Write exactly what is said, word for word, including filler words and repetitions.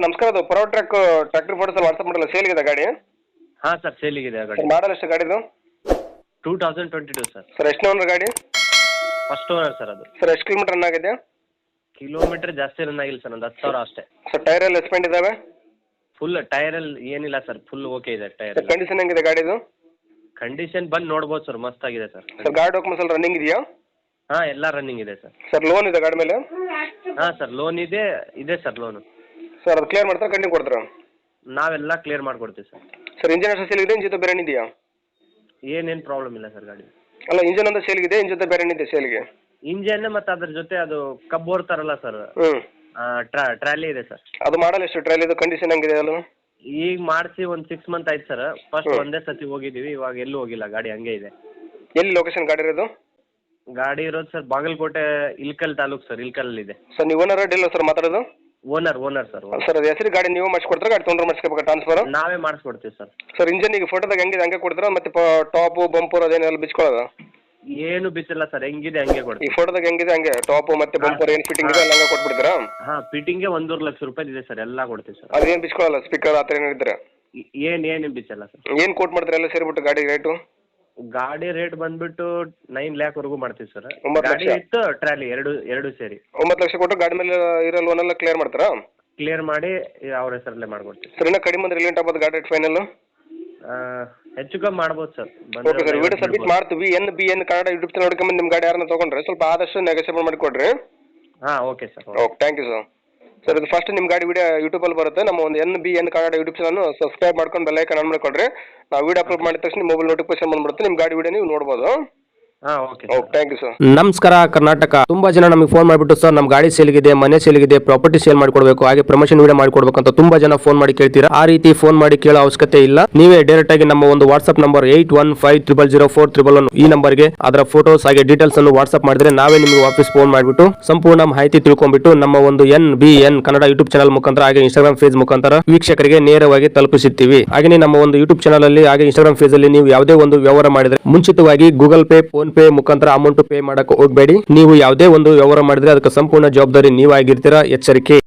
Sir ನಮಸ್ಕಾರ. ಅದು power track tractor photos WhatsApp ಮಾಡಲ್ಲ, ಸೇಲ್ಗಿದೆ ಗಾಡಿ? ಹಾಂ ಸರ್, ಸೇಲಿಗಿದೆ ಆ ಗಾಡಿ. ಮಾಡಲ್ ಎಷ್ಟು ಗಾಡಿದು? Two thousand twenty two sir. Sir ಎಷ್ಟು ಓನರ್ ಗಾಡಿ? ಫಸ್ಟ್ ಓನರ್ ಸರ್ ಅದು. ಸರ್ ಎಷ್ಟು ಕಿಲೋಮೀಟರ್ ರನ್ ಆಗಿದೆ? ಕಿಲೋಮೀಟರ್ ಜಾಸ್ತಿ ರನ್ ಆಗಿಲ್ಲ ಸರ್, ಒಂದು ಹತ್ತು ಸಾವಿರ ಅಷ್ಟೇ. ಸರ್ ಟೈರ್ ಎಲ್ಲ ಎಸ್ಪೆಂಡ್ ಇದಾವೆ? ಫುಲ್ ಟೈರಲ್ಲಿ ಏನಿಲ್ಲ ಸರ್, ಫುಲ್ ಓಕೆ ಇದೆ ಟೈರ್. ಸರ್ ಕಂಡೀಷನ್ ಹೆಂಗಿದೆ ಗಾಡಿದು? ಕಂಡೀಷನ್ ಬಂದು ನೋಡ್ಬೋದು ಸರ್, ಮಸ್ತಾಗಿದೆ ಸರ್. ಸರ್ ಗಾಡಿ ಡಾಕ್ಯುಮೆಂಟ್ಸ್ ಎಲ್ಲ ರನ್ನಿಂಗ್ ಇದೆಯಾ? ಹಾಂ, ಎಲ್ಲ ರನ್ನಿಂಗ್ ಇದೆ ಸರ್. ಸರ್ ಲೋನ್ ಇದೆ ಗಾಡಿ ಮೇಲೆ? ಹಾಂ ಸರ್, ಲೋನ್ ಇದೆ ಇದೆ ಸರ್ ಲೋನು. ಸರ್ ಅದು ಕ್ಲಿಯರ್ ಮಾಡ್ತಾರೆ, ಕಂಟಿನ್ಯೂ ಕೊಡ್ತೀರಾ? ನಾವೆಲ್ಲ ಕ್ಲಿಯರ್ ಮಾಡಿಕೊಡ್ತೀವಿ ಸರ್. ಸರ್ ಇಂಜಿನ್ ಅಷ್ಟು ಸೇಲ್ ಇದೆ, ಇಂಜಿನ್ ಜೊತೆ ಬೇರೆ ಇದೆಯಾ? ಏನೇನು ಪ್ರಾಬ್ಲಮ್ ಇಲ್ಲ ಸರ್ ಗಾಡಿ. ಅಲ್ಲ ಇಂಜಿನ್ ಒಂದು ಸೇಲ್ಗಿದೆ, ಇಂಜಿನ್ ಜೊತೆ ಬೇರೆ ಇದೆ ಸೇಲ್ಗೆ? ಇಂಜನ್ ಮತ್ತು ಅದ್ರ ಜೊತೆ ಅದು ಕಬ್ಬು ಓಡ್ತಾರಲ್ಲ ಸರ್, ಹ್ಞೂ ಟ್ರಾ ಟ್ರಾಲಿ ಇದೆ ಸರ್. ಅದು ಮಾಡಲ್ ಎಷ್ಟು ಟ್ರೈಲ್ ಇದು? ಕಂಡೀಷನ್ ಹೆಂಗಿದೆ ಅಲ್ಲ? ಈಗ ಮಾಡಿಸಿ ಒಂದು ಸಿಕ್ಸ್ ಮಂತ್ ಆಯ್ತು ಸರ್. ಫಸ್ಟ್ ಒಂದೇ ಸತಿ ಹೋಗಿದ್ದೀವಿ, ಇವಾಗ ಎಲ್ಲೂ ಹೋಗಿಲ್ಲ, ಗಾಡಿ ಹಂಗೆ ಇದೆ. ಎಲ್ಲಿ ಲೊಕೇಶನ್ ಗಾಡಿ ಇರೋದು? ಗಾಡಿ ಇರೋದು ಸರ್ ಬಾಗಲಕೋಟೆ ಇಲ್ಕಲ್ ತಾಲೂಕು ಸರ್, ಇಲ್ಕಲ್ ಇದೆ. ಸರ್ ನೀವು ಓನರ್ ಡೀಲ್ ಸರ್ ಮಾತಾಡೋದು? Owner owner sir. ಸರ್ ಅದು ಹೆಸರು ಗಾಡಿ ನೀವು ಮಾಡಿಸ್ಕೊಡ್ತಾರೆ, ಗಾಡಿ ತೊಗೊಂಡ್ರೆ ಮಾಡಿಸ್ಕೋಬೇಕಾ ಟ್ರಾನ್ಸ್ಫರ್? ನಾವೇ ಮಾಡಿಸ್ಕೊಡ್ತೀವಿ ಸರ್. ಸರ್ ಇಂಜನ್ ಈಗ ಫೋಟೋದಾಗ ಹೆಂಗಿದೆ ಹಂಗೆ ಕೊಡ್ತೀರಾ, ಮತ್ತೆ ಟಾಪು ಬಂಪರ್ ಅದೇನೆಲ್ಲ ಬಿಚ್ಕೊಳ್ಳೋದು? ಏನು ಬಿಸಿಲ್ಲ ಸರ್, ಹೆಂಗಿದೆ ಹಂಗೆ ಈ ಕೊಡ್ತೀವಿ. ಫೋಟೋದಾಗ ಹೆಂಗಿದೆ ಹಂಗೆ ಟಾಪು ಮತ್ತೆ ಬಂಪರ್ ಏನು ಫಿಟ್ಟಿಂಗ್ ಇದೆ ಎಲ್ಲ ಹಂಗೆ ಕೊಟ್ಬಿಡ್ತೀರಾ? ಹಾಂ, ಫಿಟ್ಟಿಂಗ್ಗೆ ಒಂದೂವರೆ ಲಕ್ಷ ರೂಪಾಯಿ ಇದೆ ಸರ್, ಎಲ್ಲ ಕೊಡ್ತೀವಿ ಸರ್. ಅದೇನು ಬಿಚ್ಕೊಳ್ಳಲ್ಲ, ಸ್ಪೀಕರ್ ಆ ಥರ ಏನಿದ್ರೆ? ಏನು ಏನು ಬಿಚ್ಚಲ್ಲ ಸರ್. ಏನು ಕೋಟ್ ಮಾಡ್ತೀರಾ ಎಲ್ಲ ಸೇರಿಬಿಟ್ಟು ಗಾಡಿ ರೇಟು? ಗಾಡಿ ರೇಟ್ ಬಂದ್ಬಿಟ್ಟು ನೈನ್ ಲ್ಯಾಕ್ ವರೆಗೂ ಮಾಡ್ತೀವಿ ಸರ್. ಒಂಬತ್ತು ಗಾಡಿ ಲಕ್ಷ? ಇತ್ತು ಟ್ರಾಲಿ ಎರಡು ಎರಡು ಸೇರಿ ಒಂಬತ್ತು ಲಕ್ಷ ಕೊಟ್ಟು ಗಾಡಿ ಮೇಲೆ ಇರೋ ಲೋನ್ ಎಲ್ಲ ಕ್ಲಿಯರ್ ಮಾಡ್ತಾರಾ? ಕ್ಲಿಯರ್ ಮಾಡಿ ಅವ್ರ ಹೆಸರಲ್ಲೇ ಮಾಡ್ಕೊಡ್ತೀವಿ ಸರ್ ಇನ್ನೂ ಕಡಿಮೆ ಅಂದ್ರೆ ರಿಲೇಟ್ ಆಗ್ಬೋದು ಗಾಡಿ ರೇಟ್ ಫೈನಲ್? ಹೆಚ್ಚು ಕಮ್ಮಿ ಮಾಡ್ಬೋದು sir. Okay sir, video submit ಮಾಡ್ತೀವಿ. N B N Kannada YouTube channel ನೋಡ್ಕೊಂಬಂದು ನಿಮ್ಮ ಗಾಡಿ ಯಾರನ್ನ ತೊಗೊಂಡ್ರೆ ಸ್ವಲ್ಪ ಆದಷ್ಟು ನೆಗೋಸಿಯೇಟ್ ಮಾಡಿಕೊಡ್ರಿ. ಹಾಂ, okay sir. Okay, thank you sir. Sir ಇದು ಫಸ್ಟ್ ನಿಮ್ಮ ಗಾಡಿ ವಿಡಿಯೋ ಯೂಟ್ಯೂಬಲ್ಲಿ ಬರುತ್ತೆ. ನಮ್ಮ ಒಂದು N B N Kannada YouTube channel subscribe ಮಾಡ್ಕೊಂಡು ಬೆಲ್ ಐಕಾನ್ ಆನ್ ಮಾಡಿಕೊಡ್ರಿ. ನಾವು ವಿಡಿಯೋ ಅಪ್ಲೋಡ್ ಮಾಡಿದ ತಕ್ಷಣ ಮೊಬೈಲ್ ನೋಟಿಫಿಕೇಶನ್ ಬಂದ್ಬಿಡುತ್ತೆ, ನಿಮ್ಮ ಗಾಡಿ ವಿಡಿಯೋ ನೀವು ನೋಡ್ಬೋದು. ಹಾಂ, okay okay, thank you sir. ನಮಸ್ಕಾರ ಕರ್ನಾಟಕ. ತುಂಬಾ ಜನ ನಮಗೆ ಫೋನ್ ಮಾಡಿಬಿಟ್ಟು ಸರ್ ನಮ್ಮ ಗಾಡಿ ಸೇಲ್ಗಿದೆ, ಮನೆ ಸೇಲ್ಗಿದೆ, ಪ್ರಾಪರ್ಟಿ ಸೇಲ್ ಮಾಡಿಕೊಡ್ಬೇಕು, ಹಾಗೆ ಪ್ರಮೋಷನ್ ವಿಡಿಯೋ ಮಾಡಿಕೊಡ್ಬೇಕು ಅಂತ ತುಂಬಾ ಜನ ಫೋನ್ ಮಾಡಿ ಕೇಳ್ತೀರಾ. ಆ ರೀತಿ ಫೋನ್ ಮಾಡಿ ಕೇಳೋ ಅವಶ್ಯಕತೆ ಇಲ್ಲ. ನೀವೇ ಡೈರೆಕ್ಟ್ ಆಗಿ ನಮ್ಮ ಒಂದು WhatsApp number eight one five triple zero four triple one ಈ ನಂಬರ್ಗೆ ಅದರ ಫೋಟೋಸ್ ಹಾಗೆ ಡೀಟೇಲ್ಸ್ ಅನ್ನು ವಾಟ್ಸ್ಆಪ್ ಮಾಡಿದ್ರೆ ನಾವೇ ನಿಮಗೆ ವಾಪಸ್ ಫೋನ್ ಮಾಡಿಬಿಟ್ಟು ಸಂಪೂರ್ಣ ಮಾಹಿತಿ ತಿಳ್ಕೊಂಡ್ಬಿಟ್ಟು ನಮ್ಮ ಒಂದು N B N Kannada YouTube channel ಮುಖಾಂತರ ಹಾಗೆ ಇನ್ಸ್ಟಾಗ್ರಾಮ್ ಪೇಜ್ ಮುಖಾಂತರ ವೀಕ್ಷಕರಿಗೆ ನೇರವಾಗಿ ತಲುಪಿಸುತ್ತೀವಿ. ಹಾಗೆ ನಮ್ಮ ಒಂದು ಯೂಟ್ಯೂಬ್ ಚಾನಲ್ ಅಲ್ಲಿ ಹಾಗೆ ಇನ್ಸ್ಟಾಗ್ರಾಮ್ ಪೇಜ್ ಅಲ್ಲಿ ನೀವು ಯಾವುದೇ ಒಂದು ವ್ಯವಹಾರ ಮಾಡಿದ್ರೆ ಮುಂಚಿತವಾಗಿ ಗೂಗಲ್ ಪೇ, ಫೋನ್ ಪೇ ಮುಖಾಂತರ ಅಮೌಂಟ್ ಪೇ ಮಾಡಕ್ಕೆ ಹೋಗಬೇಡಿ. ನೀವು ಯಾವುದೇ ಒಂದು ವ್ಯವಹಾರ ಮಾಡಿದ್ರೆ ಅದಕ್ಕೆ ಸಂಪೂರ್ಣ ಜವಾಬ್ದಾರಿ ನೀವಾಗಿರ್ತೀರಾ, ಎಚ್ಚರಿಕೆ.